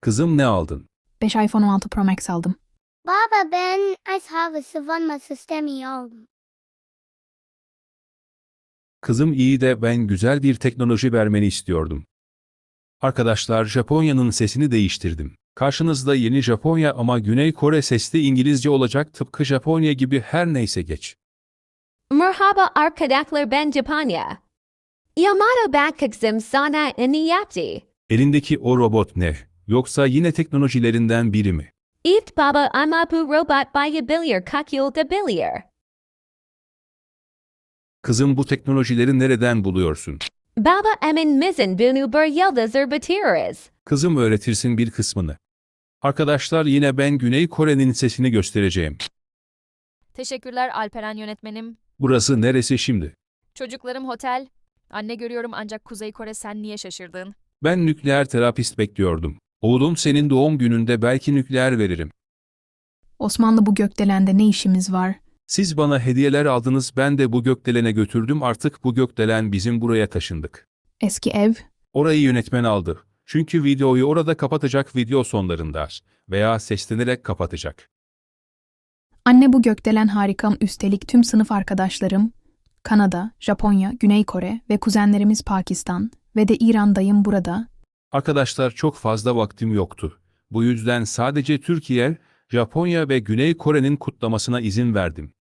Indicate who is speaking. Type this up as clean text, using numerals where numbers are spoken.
Speaker 1: Kızım ne aldın?
Speaker 2: 5 iPhone 16 Pro Max aldım.
Speaker 3: Baba ben hava savunma sistemi oldum.
Speaker 1: Kızım iyi de ben güzel bir teknoloji vermeni istiyordum. Arkadaşlar Japonya'nın sesini değiştirdim. Karşınızda yeni Japonya ama Güney Kore sesli İngilizce olacak tıpkı Japonya gibi her neyse geç.
Speaker 4: Merhaba arkadaşlar ben Japonya. Yamato bakıksım sana ne yaptı?
Speaker 1: Elindeki o robot ne? Yoksa yine teknolojilerinden biri mi?
Speaker 4: İft baba ama bu robot bayabilir kakıldabilir.
Speaker 1: Kızım bu teknolojileri nereden buluyorsun?
Speaker 4: Baba emin misin bunu bir yıldızır bitiririz.
Speaker 1: Kızım öğretirsin bir kısmını. Arkadaşlar yine ben Güney Kore'nin sesini göstereceğim.
Speaker 5: Teşekkürler Alperen yönetmenim.
Speaker 1: Burası neresi şimdi?
Speaker 5: Çocuklarım otel. Anne görüyorum ancak Kuzey Kore sen niye şaşırdın?
Speaker 1: Ben nükleer terapist bekliyordum. Oğlum senin doğum gününde belki nükleer veririm.
Speaker 2: Osmanlı bu gökdelende ne işimiz var?
Speaker 1: Siz bana hediyeler aldınız ben de bu gökdelene götürdüm artık bu gökdelen bizim buraya taşındık.
Speaker 2: Eski ev?
Speaker 1: Orayı yönetmen aldı. Çünkü videoyu orada kapatacak video sonlarında veya seslenerek kapatacak.
Speaker 2: Anne bu gökdelen harikam üstelik tüm sınıf arkadaşlarım, Kanada, Japonya, Güney Kore ve kuzenlerimiz Pakistan ve de İran'dayım burada.
Speaker 1: Arkadaşlar çok fazla vaktim yoktu. Bu yüzden sadece Türkiye, Japonya ve Güney Kore'nin kutlamasına izin verdim.